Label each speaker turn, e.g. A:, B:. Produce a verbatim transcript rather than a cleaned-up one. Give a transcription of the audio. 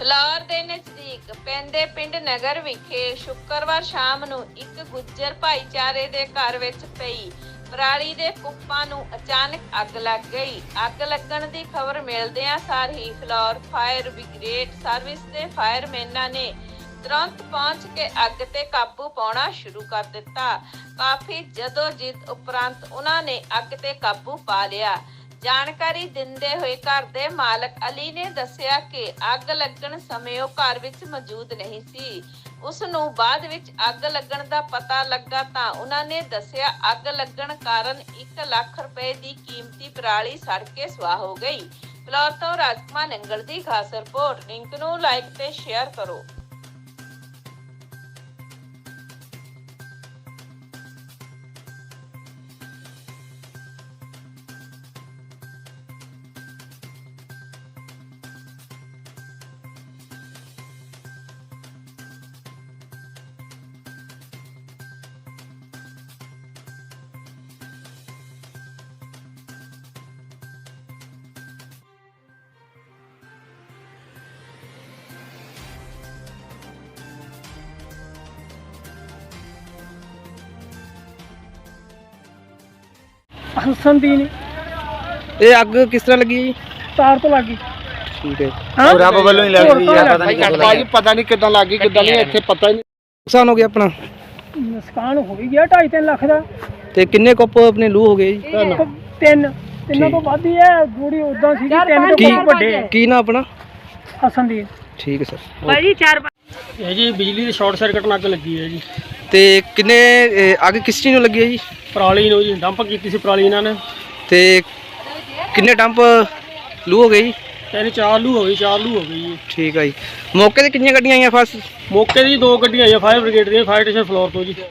A: Flour ਦੇ ਨਜ਼ਦੀਕ ਪੈਂਦੇ ਪਿੰਡ ਨਗਰ ਵਿਖੇ ਸ਼ੁੱਕਰਵਾਰ ਸ਼ਾਮ ਨੂੰ ਇੱਕ ਗੁੱਜਰ ਭਾਈਚਾਰੇ ਦੇ ਘਰ ਵਿੱਚ ਪਈ ਪਰਾਲੀ ਦੇ ਕੁੱਪਾਂ ਨੂੰ ਅਚਾਨਕ ਅੱਗ ਲੱਗ ਗਈ। ਅੱਗ ਲੱਗਣ ਦੀ ਖਬਰ ਮਿਲਦਿਆਂ ਸਾਰ ਹੀ ਫਲੌਰ ਫਾਇਰ ਬ੍ਰਿਗੇਡ ਸਰਵਿਸ ਦੇ ਫਾਇਰਮੈਨਾਂ ਨੇ ਤੁਰੰਤ ਪਹੁੰਚ ਕੇ ਅੱਗ ਤੇ ਕਾਬੂ ਪਾਉਣਾ ਸ਼ੁਰੂ ਕਰ ਦਿੱਤਾ। ਕਾਫੀ ਜਦੋਜਹਿਦ ਉਪਰੰਤ ਉਹਨਾਂ ਨੇ ਅੱਗ ਤੇ ਕਾਬੂ ਪਾ ਲਿਆ। ਜਾਣਕਾਰੀ ਦਿੰਦੇ ਹੋਏ ਘਰ ਦੇ ਮਾਲਕ ਅਲੀ ਨੇ ਦੱਸਿਆ ਕਿ ਅੱਗ ਲੱਗਣ ਸਮੇਂ ਉਹ ਘਰ ਵਿੱਚ ਮੌਜੂਦ ਨਹੀਂ ਸੀ। ਉਸ ਨੂੰ ਬਾਅਦ ਵਿੱਚ ਅੱਗ ਲੱਗਣ ਦਾ ਪਤਾ ਲੱਗਾ ਤਾਂ ਉਹਨਾਂ ਨੇ ਦੱਸਿਆ ਅੱਗ ਲੱਗਣ ਕਾਰਨ ਇੱਕ ਲੱਖ ਰੁਪਏ ਦੀ ਕੀਮਤੀ ਪਰਾਲੀ ਸੜ ਕੇ ਸੁਆਹ ਹੋ ਗਈ। ਫਲੌਰ ਤੋਂ ਰਾਜਕੁਮਾਰ ਨੰਗਲ ਦੀ ਖਾਸ ਰਿਪੋਰਟ। ਲਿੰਕ ਨੂੰ ਲਾਈਕ ਤੇ ਸ਼ੇਅਰ ਕਰੋ।
B: ਹਸਨਦੀਨ
C: ਇਹ ਅੱਗ ਕਿਸ ਤਰ੍ਹਾਂ ਲੱਗੀ ਜੀ?
B: ਤਾਰ ਤੋਂ ਲੱਗੀ।
C: ਠੀਕ ਹੈ।
B: ਹਾਂ
D: ਰੱਬ ਵੱਲੋਂ ਹੀ ਲੱਗ ਗਈ
B: ਪਤਾ
D: ਪਤਾ ਨਹੀਂ ਭਾਜੀ ਪਤਾ ਨਹੀਂ ਕਿੱਦਾਂ ਲੱਗ ਗਈ ਕਿੱਦਾਂ ਨਹੀਂ ਇੱਥੇ ਪਤਾ ਹੀ ਨਹੀਂ।
C: ਨੁਕਸਾਨ ਹੋ ਗਿਆ ਆਪਣਾ
B: ਨੁਕਸਾਨ ਹੋ ਹੀ ਗਿਆ ਢਾਈ ਤਿੰਨ ਲੱਖ ਦਾ।
C: ਤੇ ਕਿੰਨੇ ਕੁੱਪ ਆਪਣੇ ਲੂ ਹੋ ਗਏ ਜੀ?
B: ਤਿੰਨ ਤਿੰਨਾਂ ਤੋਂ ਵੱਧ ਹੀ ਹੈ। ਥੋੜੀ ਉਦਾਂ ਸੀ ਤਿੰਨ
C: ਕੀ
B: ਤੋਂ ਵੱਡੇ।
C: ਕੀ ਨਾ ਆਪਣਾ?
B: ਹਸਨਦੀਨ
C: ਠੀਕ ਹੈ ਸਰ।
B: ਭਾਜੀ ਚਾਰ
E: ਇਹ ਜੀ ਬਿਜਲੀ ਦੀ ਸ਼ਾਰਟ ਸਰਕਟ ਨਾਲ ਅੱਗ ਲੱਗੀ ਹੈ ਜੀ।
C: ਤੇ ਕਿੰਨੇ ਇਹ ਅੱਗ ਕਿਸ ਚੀਜ਼ ਨੂੰ ਲੱਗੀ ਹੈ ਜੀ?
E: ਪਰਾਲੀ ਨੂੰ ਜੀ ਡੰਪ ਕੀਤੀ ਸੀ ਪਰਾਲੀ ਇਹਨਾਂ ਨੇ।
C: ਤੇ ਕਿੰਨੇ ਡੰਪ ਲੂ ਹੋ ਗਏ ਜੀ?
E: ਤਿੰਨ ਚਾਰ ਲੂ ਹੋ ਗਈ ਚਾਰ ਲੂ ਹੋ ਗਈ ਜੀ।
C: ਠੀਕ ਹੈ ਜੀ। ਮੌਕੇ ਤੇ ਕਿੰਨੀਆਂ ਗੱਡੀਆਂ ਆਈਆਂ ਫਸ?
E: ਮੌਕੇ ਦੀ ਦੋ ਗੱਡੀਆਂ ਆਈਆਂ ਫਾਇਰ ਬ੍ਰਿਗੇਡ ਦੀਆਂ ਫਾਇਰ ਸਟੇਸ਼ਨ ਫਲੋਰ ਤੋਂ ਜੀ।